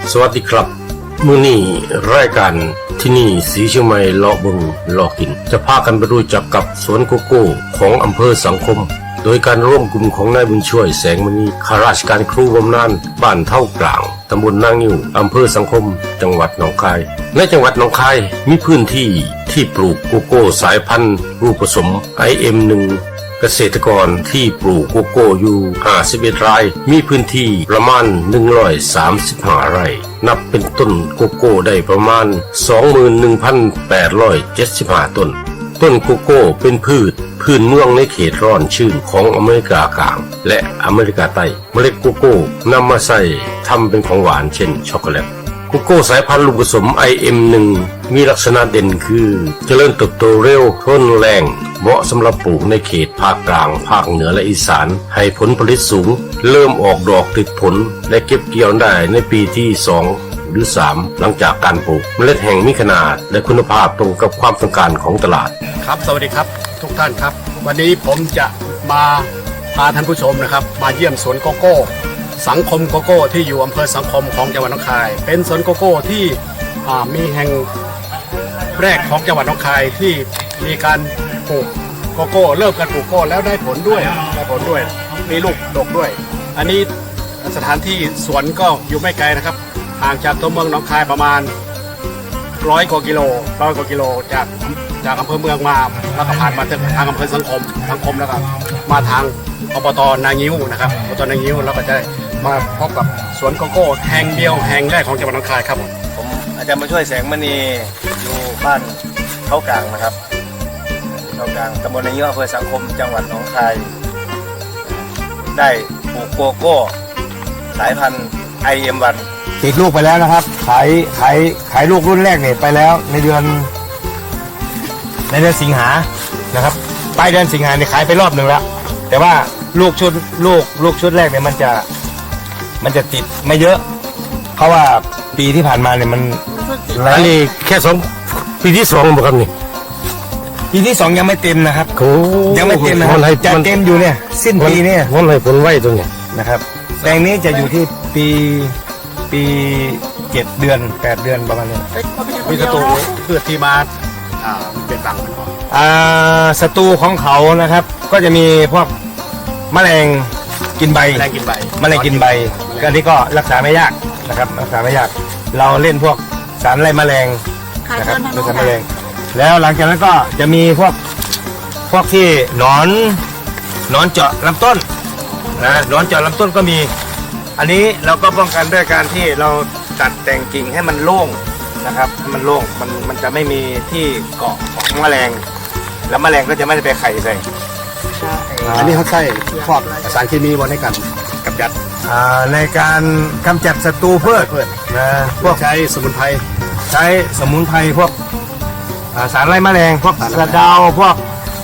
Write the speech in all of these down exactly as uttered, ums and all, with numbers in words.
สวัสดีครับมื้อนี้รายการที่นี่สีเชียงใหม่เลาะบึงเลาะกินจะพากันไปรู้จักกับสวนโกโก้ของอำเภอสังคมโดยการร่วมกลุ่มของนายบุญช่วยแสงมณีข้าราชการครูบำนาญบ้านเท่ากลางตำบลนางงิ้วอำเภอสังคมจังหวัดหนองคายในจังหวัดหนองคายมีพื้นที่ที่ปลูกโกโก้สายพันธุ์รูปผสม ไอ เอ็ม หนึ่งเกษตรกรที่ปลูกโกโก้อยู่ห้าสิบเอ็ดไร่มีพื้นที่ประมาณหนึ่งร้อยสามสิบห้าไร่นับเป็นต้นโกโก้ได้ประมาณ สองหมื่นหนึ่งพันแปดร้อยเจ็ดสิบห้า ต้นต้นโกโก้เป็นพืชพื้นเมืองในเขตร้อนชื้นของอเมริกากลางและอเมริกาใต้เมล็ดโกโก้นำมาใส่ทำเป็นของหวานเช่นช็อกโกแลตโกโก้สายพันธุ์ลูกผสม ไอ เอ็ม หนึ่ง มีลักษณะเด่นคือเจริญเติบโตเร็วทนแรงเหมาะสำหรับปลูกในเขตภาคกลางภาคเหนือและอีสานให้ผลผลิตสูงเริ่มออกดอกติดผลและเก็บเกี่ยวได้ในปีที่สองหรือสามหลังจากการปลูกเมล็ดแห่งมีขนาดและคุณภาพตรงกับความต้องการของตลาดครับสวัสดีครับทุกท่านครับวันนี้ผมจะมาพาท่านผู้ชมนะครับมาเยี่ยมสวนโกโก้สังคมโกโก้ที่อยู่อำเภอสังคมของจังหวัดหนองคายเป็นสวนโกโก้ที่มีแห่งแรกของจังหวัดหนองคายที่มีการปลูกโกโก้เริ่มการปลูกโกโก้แล้วได้ผลด้วยได้ผลด้วยมีลูกดกด้วยอันนี้สถานที่สวนก็อยู่ไม่ไกลนะครับห่างจากตัวเมืองหนองคายประมาณร้อยกว่ากิโลร้อยกว่ากิโลจากจากอำเภอเมืองมาแล้วก็ผ่านมาทางอำเภอสังคมสังคมแล้วก็มาทางอบต.นางิ้วนะครับอบต.นางิ้วแล้วก็จะมาพบกับสวนโกโก้แห่งเดียวแห่งแรกของจังหวัดหนองคายครับผมอาจารย์มาช่วยแสงมณีอยู่บ้านเท่ากลางนะครับเท่ากลางตำบลนางิ้วอำเภอสังคมจังหวัดหนองคายได้ปลูกโกโก้สายพันธุ์ ไอ เอ็ม วันติดลูกไปแล้วนะครับขายขายขายลูกรุ่นแรกเนี่ยไปแล้วในเดือนในเดือนสิงหานะครับปลายเดือนสิงหาเนี่ยขายไปรอบหนึ่งแล้วแต่ว่าลูกชุดลูกลูกชุดแรกเนี่ยมันจะมันจะติดไม่เยอะเพราะว่าปีที่ผ่านมาเนี่ยมันอันนี้แค่สองปีที่สองบ่ครับนี่ปีที่สองยังไม่เต็มนะครับโอ้ยังไม่เต็มนะครับจะเต็มอยู่เนี่ยสิ้นปีเนี่ยวันให้ผลไว้ตรงนี้นะครับแปลงนี้จะอยู่ที่ปีปีเจ็ดเดือนแปดเดือนประมาณนี้มีศัตรูพืชที่มาเป็นหลังอ่าศัตรูของเขานะครับก็จะมีพวกแมลงกินใบแมลงกินใบแมลงกินใบก็นี่ก็รักษาไม่ยากนะครับรักษาไม่ยากเราเล่นพวกสารไล่แมลงนะครับเป็นสารแมลงแล้วหลังจากนั้นก็จะมีพวกพวกที่หนอนหนอนเจาะลำต้นนะหนอนเจาะลำต้นก็มีอันนี้เราก็ป้องกันด้วยการที่เราตัดแต่งกิ่งให้มันโล่งนะครับให้มันโล่งมันมันจะไม่มีที่เกาะของแมลงแล้วแมลงก็จะไม่ได้ไปไข่ใส่อันนี้เขาใช้พวกสารเคมีวันให้กันกำจัดในการกำจัดศัตรูพืชนะพวกใช้สมุนไพรใช้สมุนไพรพวกสารไล่แมลงพวกกระเดาพวก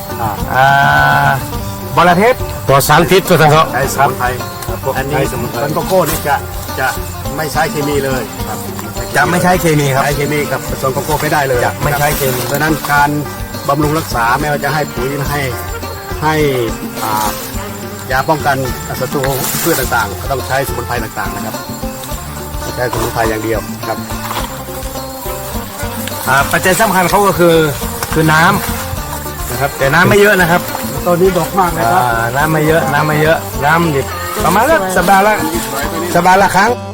บอระเทศปลอดสารพิษก็ทั้งเขาใช้สมุนไพรอันนี้สมุนไพรโกโก้นี่จะจะไม่ใช้เคมีเลยครับจะไม่ใช้เคมีครับใช้เคมีกับผสมโกโก้ไม่ได้เลยจะไม่ใช้เคมีเพราะนั้นการบำรุงรักษาไม่ว่าจะให้ปุ๋ยให้ให้ยาป้องกันศัตรูพืชต่างๆก็ต้องใช้สมุนไพรต่างๆนะครับใช้สมุนไพรอย่างเดียวครับปัจจัยสำคัญเขาก็คือคือน้ำนะครับแต่น้ำไม่เยอะนะครับตอนนี้ดอกมากเลยครับน้ำไม่เยอะน้ำไม่เยอะน้ำดิบประมาณสัปดาห์ละสัปดาห์ละครั้ง